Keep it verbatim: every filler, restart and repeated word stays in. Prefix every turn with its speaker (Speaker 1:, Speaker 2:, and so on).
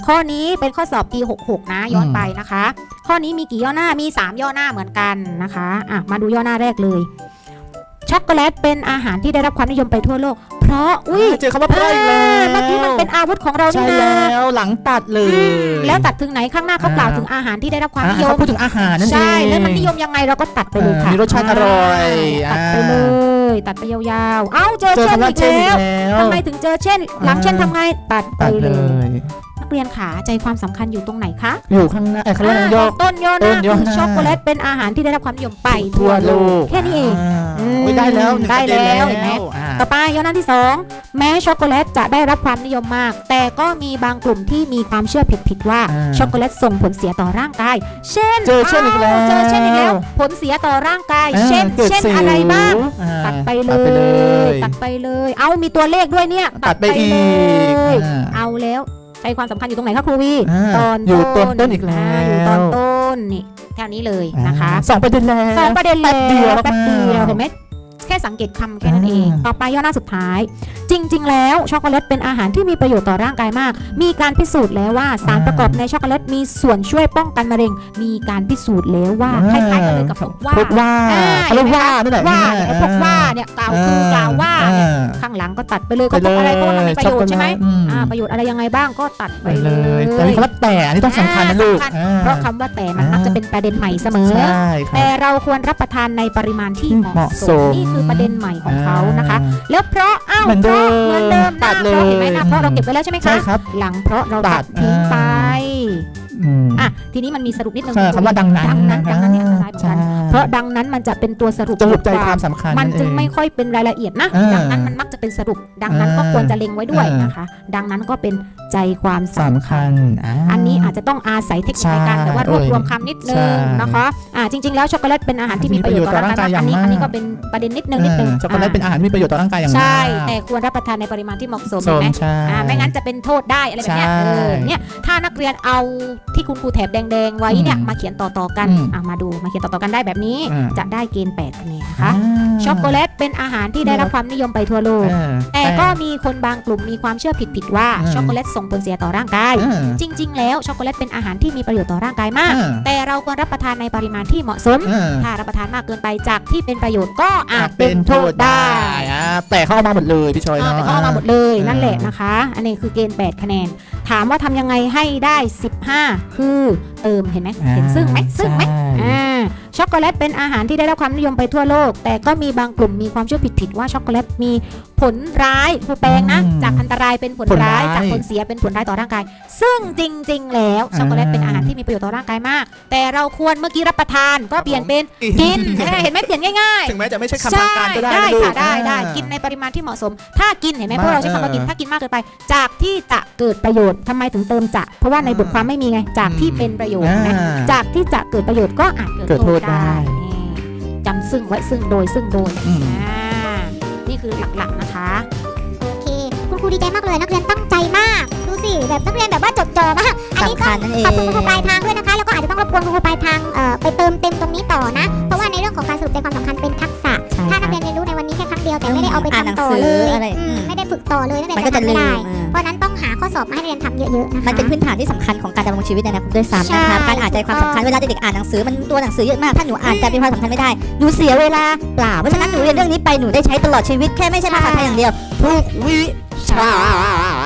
Speaker 1: ข้อนี้เป็นข้อสอบปีหกหกนะย้อนไปนะคะ ข้อนี้มีกี่ย่อหน้ามีสามย่อหน้าเหมือนกันนะคะอ่ะมาดูย่อหน้าแรกเลยช็อกโกแลตเป็นอาหารที่ได้รับความนิยมไปทั่วโลกเพราะอุ้ย
Speaker 2: เจอคำว่าเพราะอีกแล้ว
Speaker 1: เมื่อกี้มันเป็นอาวุธของเรา
Speaker 2: ใช่
Speaker 1: นี่นะ
Speaker 2: แล้วหลังตัดเลย
Speaker 1: แล้วตัดถึงไหนข้างหน้าเขากล่าวถึงอาหารที่ได้รับความนิยม
Speaker 2: พูดถึงอาหารนั่นเอง
Speaker 1: ใช่แล้วมันนิยมยังไงเราก็ตัดไปเลยค่ะ
Speaker 2: มีรสชาติอร่อย
Speaker 1: ตัดไปเลยตัดไปยาวๆเอ้าเจอ
Speaker 2: เจอ
Speaker 1: เช่น
Speaker 2: คำว่า
Speaker 1: อีก
Speaker 2: เช่นอี
Speaker 1: แล้
Speaker 2: ก
Speaker 1: ว
Speaker 2: แล้ว
Speaker 1: ทำไมถึงเจอเช่น หลังเช่นทำไงตัดไป
Speaker 2: ตัด
Speaker 1: เล
Speaker 2: เลย ย
Speaker 1: นักเรียนขาใจความสำคัญอยู่ตรงไหนคะ
Speaker 2: อยู่ข้างหน้าไอ้เขาเรียกอะไรย่อ
Speaker 1: ต้นย่อห
Speaker 2: ต้
Speaker 1: น้าน
Speaker 2: ย่อห
Speaker 1: คือ
Speaker 2: น้า
Speaker 1: ช็อกโกแลตเป็นอาหารที่ได้รับความนิยมไป
Speaker 2: ทั่วโลก
Speaker 1: แค่นี้เอง อืม
Speaker 2: โอ้ยได้แล้วนึ่ง
Speaker 1: ได้
Speaker 2: ประเน
Speaker 1: แล้วเห็นไหม
Speaker 2: อ่า
Speaker 1: ต่อไปย่อหน้าที่สองแม้ช็อกโกแลตจะได้รับความนิยมมาก แต่ก็มีบางกลุ่มที่มีความเชื่อผิดๆว่า
Speaker 2: อ่า
Speaker 1: ช็อกโกแลตส่งผลเสียต่อร่างกาย เช่น
Speaker 2: เจอเช่นอีกแล้ว
Speaker 1: เจอเช่นอีกแล้ว ผลเสียต่อร่างกาย
Speaker 2: อ่า
Speaker 1: เช่น
Speaker 2: กิด
Speaker 1: เช่น
Speaker 2: สิว
Speaker 1: อะไรบ้าง
Speaker 2: อ่า
Speaker 1: ตัดไปเล
Speaker 2: ตัดไปเลย ย
Speaker 1: ตัดไปเลย เอามีตัวเลขด้วยเนี่ย
Speaker 2: ตัดไปอีก
Speaker 1: เลย
Speaker 2: อ่า
Speaker 1: เอาแล้วใจความสำคัญอยู่ตรงไหนคะครูวี
Speaker 2: อ่า
Speaker 1: ตอน
Speaker 2: อยู่ตอนต้นอีกแล้ว
Speaker 1: าอยู่ตอนต้นนี่แค่นี้เลยนะคะ
Speaker 2: อ่าสองประเด็นแล้ว
Speaker 1: สองประเด็นแล้ว
Speaker 2: แป๊บเดียว
Speaker 1: แป๊บเดียว
Speaker 2: มาก
Speaker 1: เห็นไหมแค่สังเกตคำแค่นั้นเอง
Speaker 2: อ่า
Speaker 1: ต่อไปย่อหน้าสุดท้าย จริง ๆ แล้วช็อกโกแลตเป็นอาหารที่มีประโยชน์ต่อร่างกายมาก มีการพิสูจน์แล้วว่าสารประกอบในช็อกโกแลตมีส่วนช่วยป้องกันมะเร็ง มีการพิสูจน์แล้วว่าคล้ายๆกันเลยกับพวกว่า
Speaker 2: พวกว่า
Speaker 1: อ่า
Speaker 2: เขาเรียกว่านั่นแหละ
Speaker 1: ว่าเนี่ยไอ้พวกว่าเนี่ยกล่าวคือกล่าวว่าเนี่ย
Speaker 2: อ่า
Speaker 1: ข้างหลังก็ตัดไปเลยก็พวกอะไรเพราะว่ามันมีประโยชน์ใช่ไหม
Speaker 2: อืม
Speaker 1: อ่าประโยชน์อะไรยังไงบ้างก็ตัดไป
Speaker 2: ไป
Speaker 1: เล
Speaker 2: เลย ยแต่มีคำว่าแต่อันนี้ต้องสำคัญนะลูก
Speaker 1: อ่าสำคัญ
Speaker 2: อ่า
Speaker 1: เพราะคำว่าแต่มันมักจะเป็นประเด็นใหม่เสมอ
Speaker 2: ใช่ครั
Speaker 1: แต่
Speaker 2: บ
Speaker 1: เราควรรับประทานในปริมาณที่เห
Speaker 2: เห
Speaker 1: มาะ
Speaker 2: มาะ
Speaker 1: ส
Speaker 2: ส
Speaker 1: ม
Speaker 2: ม
Speaker 1: นี่คือประเด็นใหม่ของเขานะคะ แล้วเพราะอ้าว
Speaker 2: เหมือน
Speaker 1: เพ
Speaker 2: เดิ
Speaker 1: ราะ
Speaker 2: ม
Speaker 1: เหมือนเดิมห
Speaker 2: ตั
Speaker 1: น้า
Speaker 2: ด
Speaker 1: เพ
Speaker 2: เล
Speaker 1: ราะ
Speaker 2: ย
Speaker 1: เห็นไหมหน้าเพราะเราเก็บไว้แล้วใช่ไหมคะ
Speaker 2: ใช่ครับ
Speaker 1: หลังเพราะเรา
Speaker 2: ตั
Speaker 1: ตั
Speaker 2: ด
Speaker 1: ดทิ้งไป
Speaker 2: อืม
Speaker 1: อ่ะทีนี้มันมีสรุปนิดนึง
Speaker 2: ใช่คำว่าดังนั้น
Speaker 1: ดังนั้นดังนั้นเนี่ยอันตรายเหมือน
Speaker 2: ใช่
Speaker 1: กันเพราะดังนั้นมันจะเป็นตัวสรุป
Speaker 2: สรุปใจความสำคัญ
Speaker 1: มันจึง
Speaker 2: เอ
Speaker 1: ไม่ค่อยเป็นรายละเอียดนะ
Speaker 2: เออ
Speaker 1: ดังนั้นมันมักจะเป็นสรุป ดังนั้นก็
Speaker 2: เออ
Speaker 1: ควรจะเล็งไว้ด้วย
Speaker 2: เออ
Speaker 1: นะคะ ดังนั้นก็เป็นใจความสำ
Speaker 2: สำ
Speaker 1: คัญ
Speaker 2: คัญ
Speaker 1: อันนี้อาจจะต้องอาศัยเทคนิคในการ
Speaker 2: ใช่
Speaker 1: แต่ว่ารวบรวมคำนิดนึ
Speaker 2: ใช่
Speaker 1: งนะคะอ่าจริง ๆแล้วช็อกโกแลตเป็นอาหารที่มีประโยชน์ต่อร่างกายมากอันนี้
Speaker 2: มีประโยชน์ต่อร่างกายอย่างมาก
Speaker 1: อันนี้ก็เป็นประเด็นนิดนึงนิดนึง
Speaker 2: ช็อกโกแลตเป็นอาหารที่มีประโยชน์ต่อร่างกายอย่างมาก
Speaker 1: ใช่แต่ควรรับประทานในปริมาณที่เหมาะสม
Speaker 2: ส
Speaker 1: เห็น
Speaker 2: ม
Speaker 1: ไหม
Speaker 2: ใช่
Speaker 1: อ่าไม่งั้นจะเป็นโทษได้อะไรแบบเนี้ย
Speaker 2: ใช่
Speaker 1: เออเนี่ยถ้านักเรียนเอาที่คุณครูแถบแดงๆไว้เนี่ย
Speaker 2: อืม
Speaker 1: มาเขียนต่อๆกัน
Speaker 2: อืม
Speaker 1: อ่ะมาดูมาเขียนต่อๆกันได้แบบนี้
Speaker 2: อืม
Speaker 1: จะได้เกณฑ์แปดคะแนนนะคะ
Speaker 2: อ่า
Speaker 1: ช็อกโกแลตเป็นอาหารที่ได้รับความนิยมไปทั่วโลก
Speaker 2: เออ
Speaker 1: แต่ก็มีคนบางกลุ่มมีความเชื่อผิดๆว่า
Speaker 2: อืม
Speaker 1: ช็อกโกแลตส่งผลเสียต่อร่างกาย
Speaker 2: เออ
Speaker 1: จริง ๆ แล้วช็อกโกแลตเป็นอาหารที่มีประโยชน์ต่อร่างกายมาก
Speaker 2: เออ
Speaker 1: แต่เราควรรับประทานในปริมาณที่เหมาะสม
Speaker 2: เออ
Speaker 1: ถ้ารับประทานมากเกินไปจากที่เป็นประโยชน์ก็อา
Speaker 2: อา
Speaker 1: จ
Speaker 2: จ
Speaker 1: เป็
Speaker 2: เป็น น
Speaker 1: โท
Speaker 2: โท
Speaker 1: ษ
Speaker 2: ษ
Speaker 1: ได้
Speaker 2: ได้อ่าแต่เข้าเอามาหมดเลยพี่ชอย
Speaker 1: เออ
Speaker 2: เนาะ
Speaker 1: แต่เขาเอามาหมดเลย
Speaker 2: อ่า
Speaker 1: นั่นแหละนะคะ อันนี้คือเกณฑ์แปดคะแนน ถามว่าทำยังไงให้ได้สิบห้าคือเติมเห็นไหมเห็นซึ่งไหมซึ่งไหม
Speaker 2: ใช่
Speaker 1: อ่าช็อกโกแลตเป็นอาหารที่ได้รับความนิยมไปทั่วโลก แต่ก็มีบางกลุ่มมีความเชื่อผิดๆว่าช็อกโกแลตมีผลร้ายผู้แปลงนะ
Speaker 2: อืม
Speaker 1: จากอันตรายเป็นผล
Speaker 2: ผล
Speaker 1: ร้า
Speaker 2: ร้าย ย
Speaker 1: จากผลเสียเป็นผลร้ายต่อร่างกาย ซึ่งจริง ๆ แล้วช็อกโกแลตเป็นอาหารที่มีประโยชน์ต่อร่างกายมาก แต่เราควรเมื่อกี้รับประทานก็เปลี่ยนเป็นกินเห็นไหมเปลี่ยนง่ายๆ
Speaker 2: ถึงแม้จะไม่ใช่คำ
Speaker 1: ใช่
Speaker 2: ทางการก็ได้
Speaker 1: ได้
Speaker 2: นะลูก
Speaker 1: ค่ะได้ได้
Speaker 2: อ่า
Speaker 1: กินในปริมาณที่เหมาะสม ถ้ากินเห็นไหม
Speaker 2: มาก
Speaker 1: พวกเราใช้คำว่ากิน
Speaker 2: เออ
Speaker 1: ถ้ากินมากเกินไป จากที่จะเกิดประโยชน์ทำไมถึงเติมจะ เพราะว่าในบทความไม่มีไงจากที่เป็นประโยชน์นะ
Speaker 2: อ่า
Speaker 1: จากที่จะเกิดประโยชน์ก็อาจเกิด
Speaker 2: เกิด
Speaker 1: โท
Speaker 2: โท
Speaker 1: ษ
Speaker 2: ษได้
Speaker 1: ได้นี่จำซึ่งไว้ซึ่งโดยซึ่งโดย
Speaker 2: อืม
Speaker 1: อ่านี่คือหลักๆนะคะ
Speaker 3: โอเค คุณครูดีใจมากเลย นักเรียนตั้งใจมาก ดูสิ แบบนักเรียนแบบว่าจดจ่อมาก อันนี้
Speaker 4: สำ
Speaker 3: ก็
Speaker 4: คัญนั่นเอง
Speaker 3: ขอบคุณคุณครูปลายทางด้วยนะคะ แล้วก็อาจจะต้องรบกวนคุณครูปลายทางเอ่อไปเติมเต็มตรงนี้ต่อนะ เพราะว่าในเรื่องของการสรุปใจความสำคัญเป็นทักษะ
Speaker 4: ใช่
Speaker 3: ถ้า
Speaker 4: ค
Speaker 3: นั
Speaker 4: รั
Speaker 3: ก
Speaker 4: บ
Speaker 3: เรียนเรียนรู้ในวันนี้แค่ครั้งเดียวแต่ไม่ได้เอาไป
Speaker 4: อ่านหนัง
Speaker 3: ทำต่อ
Speaker 4: สือ
Speaker 3: เลย
Speaker 4: อะไร
Speaker 3: อืม
Speaker 4: อืม
Speaker 3: ไม่ได้ฝึกต่อเลยนักเรียน
Speaker 4: มันก็
Speaker 3: จะ
Speaker 4: จะ
Speaker 3: ทำ
Speaker 4: ลื
Speaker 3: ไม่
Speaker 4: ม
Speaker 3: ได้
Speaker 4: อ่า
Speaker 3: เพราะฉะนั้นต้องหาข้อสอบมาให้นักเรียนทำเยอะๆนะคะ
Speaker 4: มันเป็นพื้นฐานที่สำคัญของการดำรงชีวิตในอนาคตด้วยซ้ำ
Speaker 3: ใช่
Speaker 4: นะครับการอ่านใจความสำคัญเวลาเด็กๆอ่านหนังสือมันตัวหนังสือเยอะมากถ้าหนูอ่านใจเป็นความสำคัญไม่ได้หนูเสียเวลาเปล่าเพราะฉะนั้นหนูเรียนเรื่องนี้ไปหนูได้ใช้ตลอดชีวิตแค่ไม่ใช่ภาษาไทยอย่างเดียวทุกวิชา